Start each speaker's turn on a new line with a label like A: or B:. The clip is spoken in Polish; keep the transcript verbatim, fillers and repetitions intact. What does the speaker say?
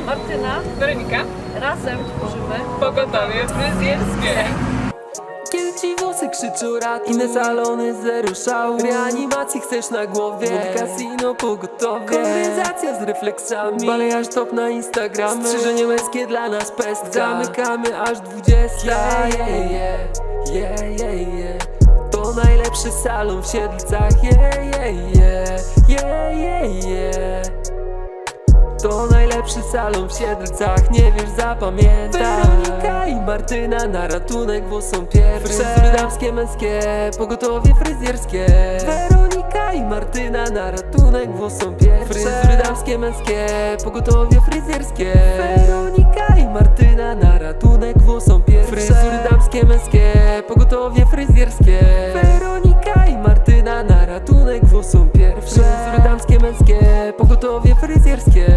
A: Martyna,
B: Weronika,
A: razem tworzymy
B: pogotowie fryzjerskie.
C: Kiedy ci włosy krzyczą rat, inne salony zero szału. Reanimacji chcesz na głowie, w casino pogotowie. Konwersacja z refleksami, balejarz top na Instagramy. Strzyżenie męskie dla nas pestka, zamykamy aż dwudziesta. Yeah, yeah, yeah, yeah, yeah, yeah. To najlepszy salon w Siedlcach. Yeah, yeah, yeah, yeah, yeah, yeah. To najlepszy salon w Siedlcach, nie wiesz, zapamiętaj. Weronika i Martyna na ratunek, bo są pierwsze. Fryzury damskie, męskie, pogotowie fryzjerskie. Weronika i Martyna na ratunek, bo są pierwsze. Fryzury damskie, męskie, pogotowie fryzjerskie. Weronika i Martyna na ratunek, bo są pierwsze. Fryzury damskie, męskie, pogotowie fryzjerskie. Weronika i Martyna na ratunek, bo są pierwsze. Fryzury damskie, męskie, pogotowie fryzjerskie.